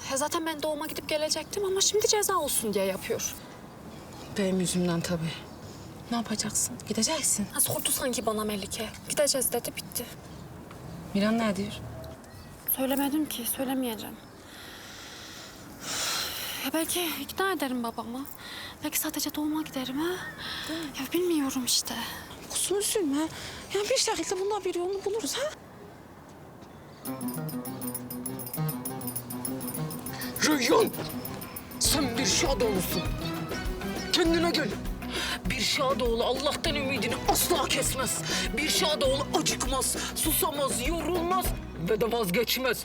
Ya zaten ben doğuma gidip gelecektim ama şimdi ceza olsun diye yapıyor. Benim yüzümden tabii. Ne yapacaksın? Gideceksin. Ha, sordu sanki bana Melike. Gideceğiz dedi, bitti. Miran ne diyor? Söylemedim ki, söylemeyeceğim. Ya belki ikna ederim babamı. Belki sadece doğuma giderim ha. Ya bilmiyorum işte. Kuzum üzülme. Yani bir şekilde bundan bir yolunu buluruz ha. Reyhan, sen bir Şadoğlu'sun. Kendine gel. Bir Şadoğlu Allah'tan ümidini asla kesmez. Bir Şadoğlu acıkmaz, susamaz, yorulmaz ve de vazgeçmez.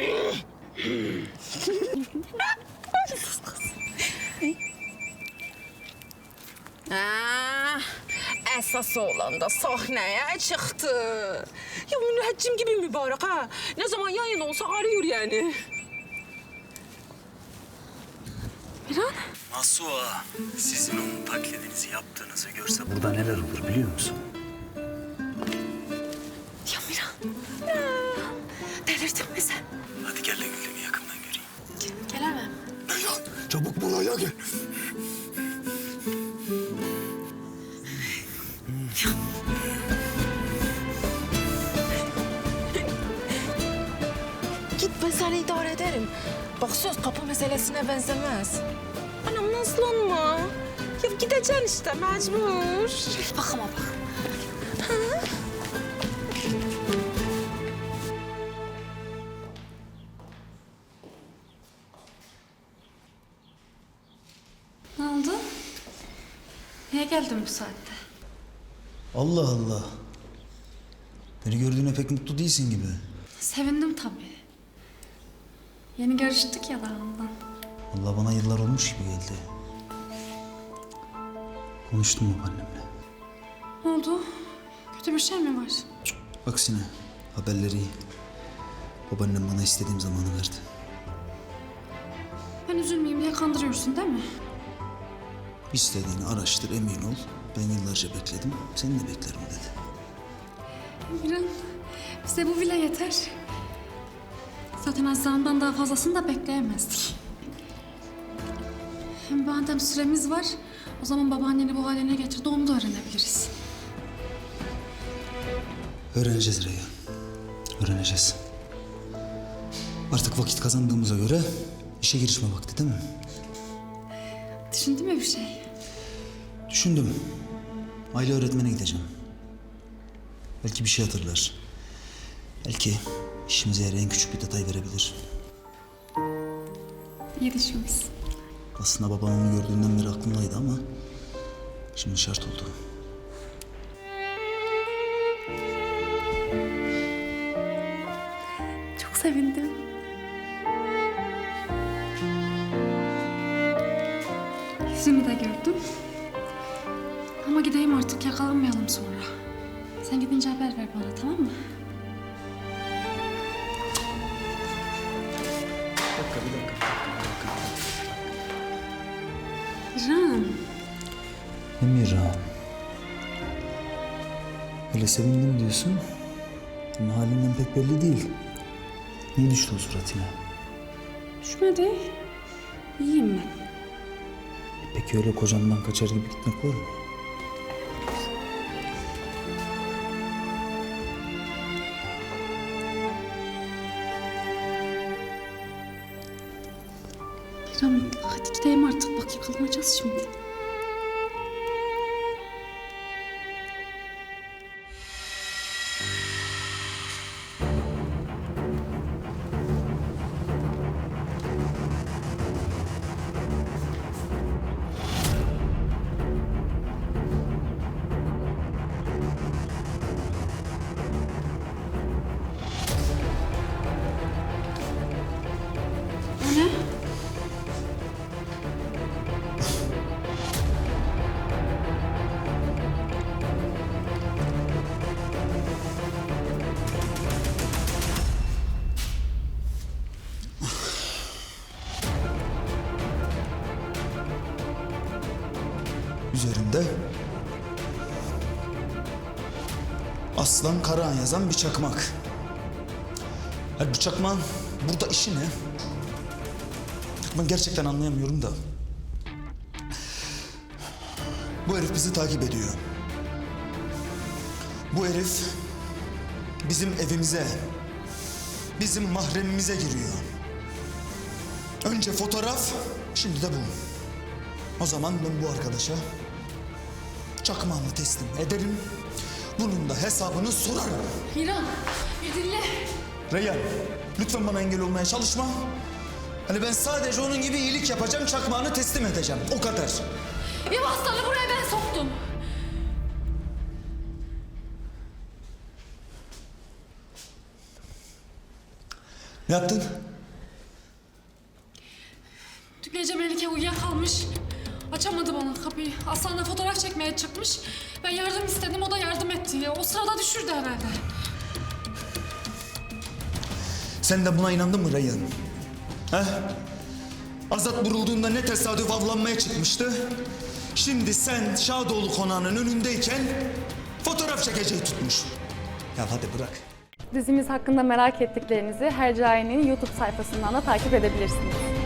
Esas oğlan da sahneye çıktı. Ya müneccim gibi mübarek ha. Ne zaman yayın olsa arıyor yani. Miran? Masua, sizin onun taklidinizi yaptığınızı görse burada neler olur biliyor musun? Ya Miran. Delirdin mi sen? Hadi gel de Gülden'i yakından göreyim. Gelemem. Reyhan, çabuk buraya gel. Git, ben seni idare ederim. Bak söz kapı meselesine benzemez. Anam nazlanma. Ya gideceksin işte mecbur. Bak ama bak. Ne oldu? Niye geldin bu saatte? Allah Allah. Beni gördüğüne pek mutlu değilsin gibi. Sevindim tabii. Yeni görüştük ya daha ondan. Allah bana yıllar olmuş gibi geldi. Konuştum babaannemle. Ne oldu? Kötü bir şey mi var? Aksine haberleri iyi. Babaannem bana istediğim zamanı verdi. Ben üzülmeyeyim diye kandırıyorsun değil mi? İstediğini araştır, emin ol. Ben yıllarca bekledim, seni de beklerim dedi. Miran, bize bu bile yeter. Zaten Azra'ndan daha fazlasını da bekleyemezdik. Hem madem süremiz var, o zaman babaanneni bu haline getirdi, onu da öğrenebiliriz. Öğreneceğiz Reyhan. Öğreneceğiz. Artık vakit kazandığımıza göre işe girişme vakti değil mi? Düşündün mü bir şey? Düşündüm. Aile öğretmene gideceğim. Belki bir şey hatırlar. Belki işimize yarayan küçük bir detay verebilir. İyi düşünmüşsün. Aslında babam onu gördüğünden beri aklımdaydı ama şimdi şart oldu. Çok sevindim. Yüzünü de gördüm. Ama gideyim artık, yakalanmayalım sonra. Sen gidince haber ver bana, tamam mı? Bir dakika. Miran. Emirhan. Öyle sevindim diyorsun. Ama halinden pek belli değil. Niye düştü o suratına? Düşmedi. İyiyim ben. Peki öyle kocamdan kaçar gibi gitmek var mı? Miran, hadi gidelim artık. Bak yakalanacağız şimdi. O ne? Üzerinde Aslan Karahan yazan bir çakmak. Bu çakmağın burada işi ne? Ben gerçekten anlayamıyorum da. Bu herif bizi takip ediyor. Bu herif bizim evimize, bizim mahremimize giriyor. Önce fotoğraf, şimdi de bu. O zaman ben bu arkadaşa çakmağımı teslim ederim. Bunun da hesabını sorarım. İran, bir dinle. Reyhan, lütfen bana engel olmaya çalışma. Hani ben sadece onun gibi iyilik yapacağım, çakmağını teslim edeceğim. O kadar. Ev aslanı buraya ben soktum. Ne yaptın? Dün gece Melike uyuyakalmış. Açamadı bana kapıyı. Aslan'la fotoğraf çekmeye çıkmış. Ben yardım istedim, o da yardım etti. O sırada düşürdü herhalde. Sen de buna inandın mı Reyhan? He? Azat vurulduğunda ne tesadüf avlanmaya çıkmıştı. Şimdi sen Şadoğlu konağının önündeyken fotoğraf çekeceği tutmuş. Ya hadi bırak. Dizimiz hakkında merak ettiklerinizi Hercai'nin YouTube sayfasından da takip edebilirsiniz.